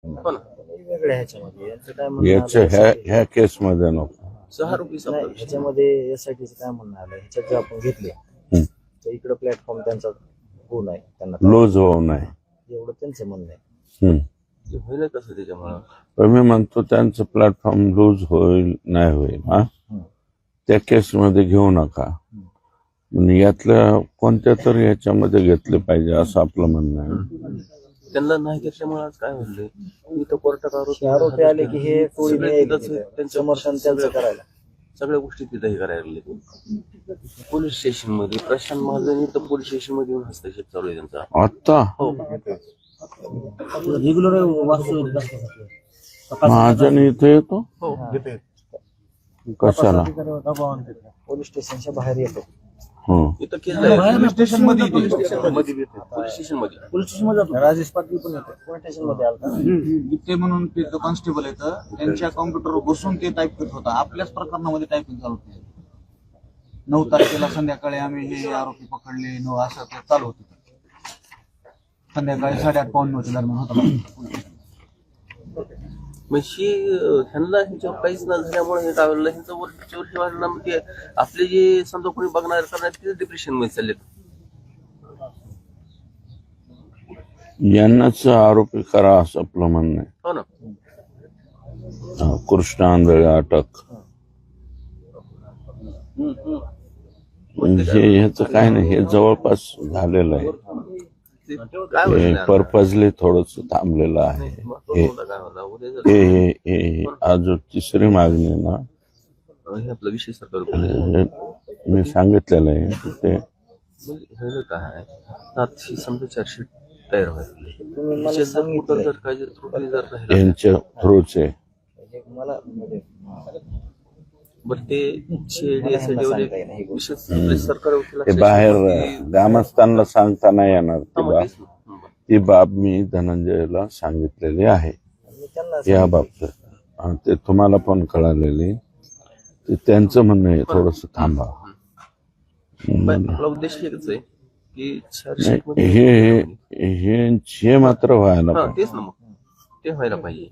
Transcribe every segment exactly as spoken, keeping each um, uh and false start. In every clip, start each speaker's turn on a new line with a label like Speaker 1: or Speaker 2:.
Speaker 1: हो ना.
Speaker 2: वेगळ्या ह्याच्यामध्ये यांचं काय म्हणणं
Speaker 3: याच्या
Speaker 2: आलं
Speaker 3: ह्या
Speaker 2: यासाठी-
Speaker 3: ह्या केस मध्ये नको.
Speaker 1: सहा रुपये
Speaker 2: नाही,
Speaker 1: समजा.
Speaker 2: ह्याच्यामध्ये एसआयटीचं काय म्हणणं आलं ह्याच्यात जर आपण घेतले
Speaker 3: हम्म.
Speaker 2: तर इकडं प्लॅटफॉर्म त्यांचा गुण आहे त्यांना
Speaker 3: लूज होऊ नये.
Speaker 2: एवढं त्यांचं म्हणणं आहे.
Speaker 3: हम्म.
Speaker 1: ते होईल कसं त्याच्यामुळं.
Speaker 3: पण मी म्हणतो त्यांचं प्लॅटफॉर्म लूज होईल नाही होईल हा
Speaker 2: हम्म.
Speaker 3: त्या केसमध्ये घेऊ नका. पण यातल्या कोणत्या तरी याच्यामध्ये घेतले पाहिजे असं आपलं म्हणणं आहे.
Speaker 1: त्यांना नाही घेतल्यामुळे आज काय म्हणले इथं कोर्टात
Speaker 2: हे आरोपी आले की हे टोळी
Speaker 1: सगळे
Speaker 2: न्याय
Speaker 1: तिथंच
Speaker 2: घेते.
Speaker 1: त्यांच्या
Speaker 2: समर्थन त्यांचं करायला
Speaker 1: सगळ्या गोष्टी तिथं हे करायला लागले. पोलीस स्टेशन मध्ये प्रशांत महाजन इथं पोलीस स्टेशन मध्ये येऊन हस्तक्षेप चालू आहे त्यांचा.
Speaker 3: आता
Speaker 1: हो
Speaker 4: रेग्युलर
Speaker 3: महाजन इथे येतो
Speaker 1: हो
Speaker 3: कशाला?
Speaker 2: पोलीस स्टेशनच्या बाहेर येतो.
Speaker 3: हं.
Speaker 1: इथं केस आहे.
Speaker 4: पोलीस स्टेशन मध्ये
Speaker 1: पोलीस स्टेशन मध्ये पोलीस स्टेशन मध्ये
Speaker 4: पोलीस स्टेशन मध्ये जातो. राजेश पाटील पण येतो.
Speaker 2: पोलीस स्टेशन मध्ये आलता.
Speaker 5: ते म्हणून ते कॉन्स्टेबल येतं त्यांच्या कॉम्प्युटरवर बसून ते टाईप करत होता. आपल्याच प्रकरणामध्ये टायपिंग चालू होते. नऊ तारखेला संध्याकाळी आम्ही हे आरोपी पकडले नऊ असं ते चालू होतं. संध्याकाळी साडेआठ पाऊण नऊच्या दरम्यान होता.
Speaker 1: म्हणजे ह्यांना ह्यांच्यावर काहीच न झाल्यामुळे हे काय झालं ह्यांचं वर्ष वर्ष वाढलं मग ते आपले जे समजा कोणी बघणार करणार ते डिप्रेशन मध्ये चालले.
Speaker 3: यांनाच आरोपी करा असं आपलं म्हणणं आहे.
Speaker 1: हो ना.
Speaker 3: हा, कृष्ण आंधळे अटक हे ह्याचं काय नाही. हे जवळपास झालेलं आहे.
Speaker 1: ते काय
Speaker 3: हे
Speaker 1: होईल
Speaker 3: पर्पजली थोडस थांबलेलं आहे. हे
Speaker 1: काय होला उद्या जर
Speaker 3: हे हे- हे आज तिसरी मागणी आहे ना
Speaker 1: हे आपला विषय सरकार
Speaker 3: हे मी सांगितलेलं आहे की ते
Speaker 1: म्हणजे हे काय सातशे समजा चारशे तयार व्हायला
Speaker 2: तुम्ही मला
Speaker 1: त्याच्यात जर कुठं
Speaker 2: सांगितलं
Speaker 1: जर काही जर त्रुटी जर राहिला
Speaker 3: यांच्या थ्रूचे
Speaker 2: हे मला म्हणजे
Speaker 1: बरं ते शेडी असं
Speaker 2: ह्यांना
Speaker 1: जेवढे
Speaker 2: सांगता येईना ही गोष्ट.
Speaker 1: विशेष आपले सरकार वकिलाचे
Speaker 3: ते बाहेर
Speaker 1: शेवटी-
Speaker 3: ग्रामस्थांना सांगता नाही येणार ती
Speaker 1: हा, मग
Speaker 3: बाब
Speaker 1: तेच ना. हं, बरं.
Speaker 3: ती बाब मी धनंजयला सांगितलेली आहे
Speaker 2: मी त्यांना
Speaker 3: या बाबतीत. आणि ते तुम्हाला पण कळालेली ते त्यांचं म्हणणं आहे थोडस थांबा.
Speaker 1: पण आपला उद्देश एकच आहे की चारशे
Speaker 3: नाही,
Speaker 1: मध्ये
Speaker 3: हे हे हे मात्र व्हायला
Speaker 1: हा
Speaker 3: पाहिजे.
Speaker 1: तेच ना मग ते व्हायला पाहिजे.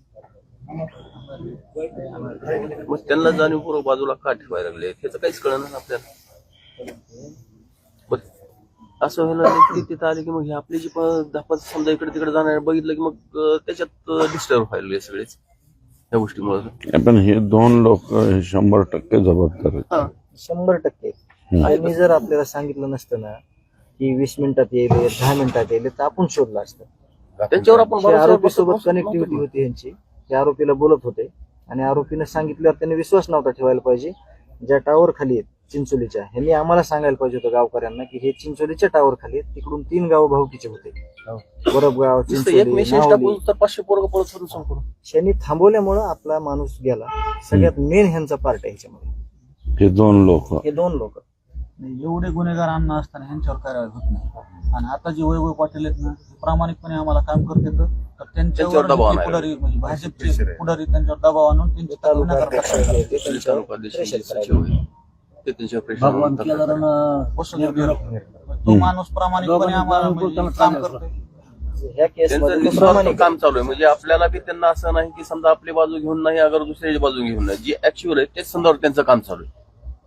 Speaker 1: मग त्यांना जाणीवपूर्वक बाजूला का ठेवायला लागले त्याचं काहीच कळणार ना आपल्याला. मग असं व्हायला लागलं की तिथं आले की मग हे आपले जे दहा पाच समजा इकडे तिकडे जाणार बघितलं की मग अं, त्याच्यात डिस्टर्ब व्हायला लागले सगळेच या गोष्टीमुळे.
Speaker 3: पण हे दोन लोक शंभर टक्के जबाबदार आहेत.
Speaker 1: हा
Speaker 2: शंभर टक्के त्यांनी जर आपल्याला सांगितलं नसतं ना की वीस मिनिटात येईल दहा मिनिटात येईल तर आपण शोधलं असतं.
Speaker 1: त्यांच्यावर आपण
Speaker 2: त्या आरोपी
Speaker 1: भरोसा-
Speaker 2: सोबत कनेक्टिव्हिटी होती यांची. त्या आरोपीला बोलत होते आणि आरोपीने सांगितल्यावर त्यांनी विश्वास नव्हता ठेवायला पाहिजे. ज्या टावर खाली आहेत चिंचोलीच्या ह्यांनी आम्हाला सांगायला पाहिजे होतं गावकऱ्यांना की हे चिंचोलीच्या टावर खाली आहेत. तिकडून तीन गाव भावकीचे होते. बरबगाव
Speaker 1: नुसतं एक
Speaker 2: चिंचोली
Speaker 1: मेसेज
Speaker 2: नावली.
Speaker 1: टाकून तर पाचशे पोरग पळत होतं संपूर्ण.
Speaker 2: त्यांनी थांबवल्यामुळं आपला माणूस गेला. सगळ्यात मेन ह्यांचा पार्ट आहे ह्याच्यामध्ये.
Speaker 3: हे दोन लोक
Speaker 2: हे दोन लोक
Speaker 5: एवढे गुन्हेगार अन्न असताना ह्यांच्यावर कारवाई होत नाही. आणि आता जे वैभव पाटील आहेत ना ते प्रामाणिकपणे आम्हाला काम करतात. तर
Speaker 1: त्यांच्यावर
Speaker 5: त्यांच्यावर
Speaker 1: दबाव
Speaker 5: जे
Speaker 1: आणायला.
Speaker 5: पुढारी म्हणजे भाजपचे पुढारी त्यांच्यावर दबाव आणून त्यांची
Speaker 2: तालुका
Speaker 5: गुन्हेगार
Speaker 2: अध्यक्ष
Speaker 5: करतात.
Speaker 2: आहे, ते
Speaker 1: पोलीस
Speaker 2: त्यांच्यावर
Speaker 1: तालुकाध्यक्ष
Speaker 2: प्रेशर
Speaker 1: सचिव
Speaker 2: करायला.
Speaker 1: आहे. ते त्यांच्यावर प्रेशर
Speaker 4: भगवान
Speaker 1: आणतात.
Speaker 4: केदारानं
Speaker 5: बसून तो माणूस प्रामाणिकपणे आम्हाला म्हणजे काम करतोय.
Speaker 2: ह्या केस
Speaker 1: त्यांचं
Speaker 2: मध्ये तो
Speaker 1: निस्वार्थ
Speaker 2: प्रामाणिक
Speaker 1: काम चालू आहे. म्हणजे आपल्याला बी त्यांना असं नाही की समजा आपली बाजू घेऊन नाही अगर दुसऱ्याची बाजू घेऊन नाही. जे ऍक्च्युअल आहे तेच संदर्भात त्यांचं काम चालू आहे.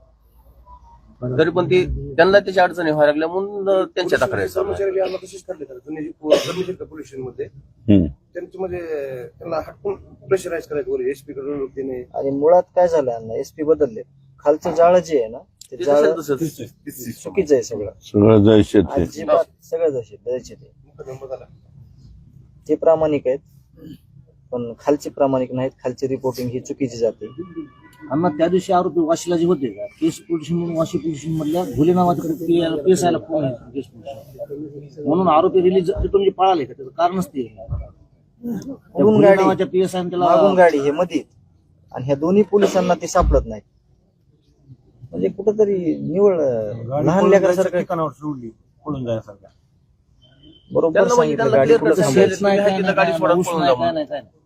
Speaker 1: तरी पण ते त्यांना त्याच्या अडचणी व्हायला लागल्या म्हणून त्यांच्या तक्रारी चालू आहे.
Speaker 6: कर्मचारी आम्हाला तसेच काढले तर जुने जे कर्मचारी का पोलीस मध्ये
Speaker 3: हम्म.
Speaker 6: त्यांचं म्हणजे त्यांना हटकून प्रेशराईज करायचं वगैरे एसपी कडून त्याने
Speaker 2: आणि मुळात काय झालं यांना एसपी बदलले. खालचं जाळं जे आहे ना ते
Speaker 1: ते
Speaker 2: जाळं
Speaker 1: तसंच तसंच.
Speaker 2: चुकीचं आहे सगळं.
Speaker 3: सगळं जायचे ते
Speaker 2: अजिबात सगळं जसे द्यायचे ते
Speaker 6: मुकदमा झाला.
Speaker 2: ते प्रामाणिक आहेत पण खालचे प्रामाणिक नाहीत. खालची रिपोर्टिंग ही चुकीची जाते.
Speaker 4: अण्णा त्या दिवशी आरोपी वाशीला जे होते का केस पोलिस म्हणून वाशी पोलिस मधल्या भोले नावाच्या केस आयला फोन आहे केस पोलिस म्हणून आरोपी रिलीज तिथून जे पळाले का त्याचं कारणच ते त्या भोले
Speaker 2: गाडी
Speaker 4: नावाच्या पी एस आय
Speaker 2: मागून
Speaker 4: त्याला
Speaker 2: गाडी हे मध्ये आणि ह्या दोन्ही पोलिसांना ते सापडत नाहीत. म्हणजे कुठंतरी निवळ लहान लेकरासारखं
Speaker 7: ठिकाणावर सोडली पळून जायसारखं.
Speaker 2: बरोबर
Speaker 1: त्यांना म्हणजे
Speaker 2: सांगितलं
Speaker 1: त्यांना
Speaker 2: गाडी
Speaker 1: clear
Speaker 2: कुठं
Speaker 1: cut
Speaker 2: थांबवायची.
Speaker 4: शेत नाही काय
Speaker 1: तिथं गाडी
Speaker 4: नाही
Speaker 1: सोडा
Speaker 4: ऊस
Speaker 1: पळून
Speaker 4: नाही
Speaker 1: जा
Speaker 4: काय नाही काय नाही